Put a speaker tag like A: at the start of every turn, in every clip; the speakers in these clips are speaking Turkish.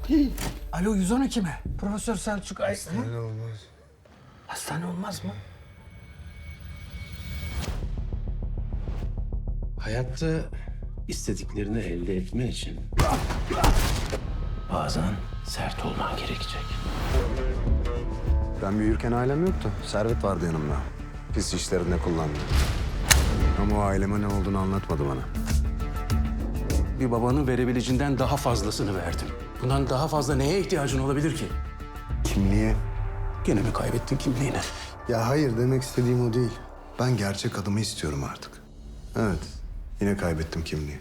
A: Alo 112 mi? Profesör Selçuk Ay...
B: Hastane olmaz.
A: Hastane olmaz mı?
C: Hayatta istediklerini elde etmen için bazen sert olman gerekecek.
B: Ben büyürken ailem yoktu. Servet vardı yanımda. Pis işlerinde kullandı. Ama o aileme ne olduğunu anlatmadı bana.
C: Bir babanın verebileceğinden daha fazlasını verdim. Bundan daha fazla neye ihtiyacın olabilir ki?
B: Kimliğe?
C: Gene mi kaybettin kimliğini?
B: Ya hayır, demek istediğim o değil. Ben gerçek adımı istiyorum artık. Evet, yine kaybettim kimliği.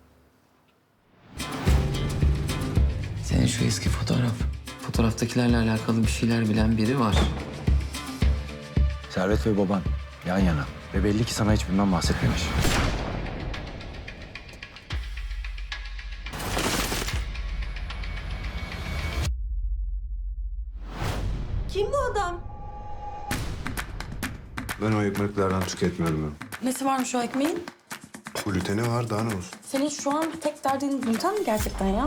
D: Senin şu eski fotoğraf. Fotoğraftakilerle alakalı bir şeyler bilen biri var.
E: Servet ve baban yan yana. Ve belli ki sana hiç bundan bahsetmemiş.
F: Kim bu adam?
B: Ben o ekmeklerden tüketmiyorum ben.
F: Nesi varmış o ekmeğin?
B: Gluteni var, daha ne olsun?
F: Senin şu an tek derdin gluten mi gerçekten ya?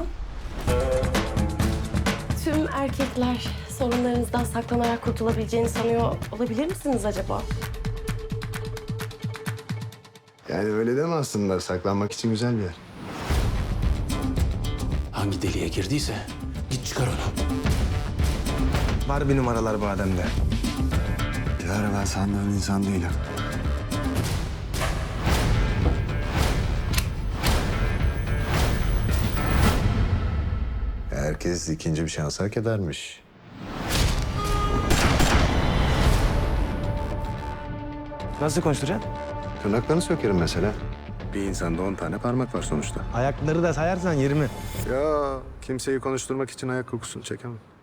F: Tüm erkekler sorunlarınızdan saklanarak kurtulabileceğini sanıyor olabilir misiniz acaba?
B: Yani öyle deme aslında. Saklanmak için güzel bir yer.
C: Hangi deliğe girdiyse git çıkar onu.
E: Var bir numaralar bu adamda.
B: Dilara, ben sandığın insan değilim. Herkes ikinci bir şans hak edermiş.
E: Nasıl konuşturacaksın?
B: Tırnaklarını sökerim mesela. Bir insanda 10 tane parmak var sonuçta.
E: Ayakları da sayarsan 20.
B: Ya kimseyi konuşturmak için ayak kokusunu çekemem.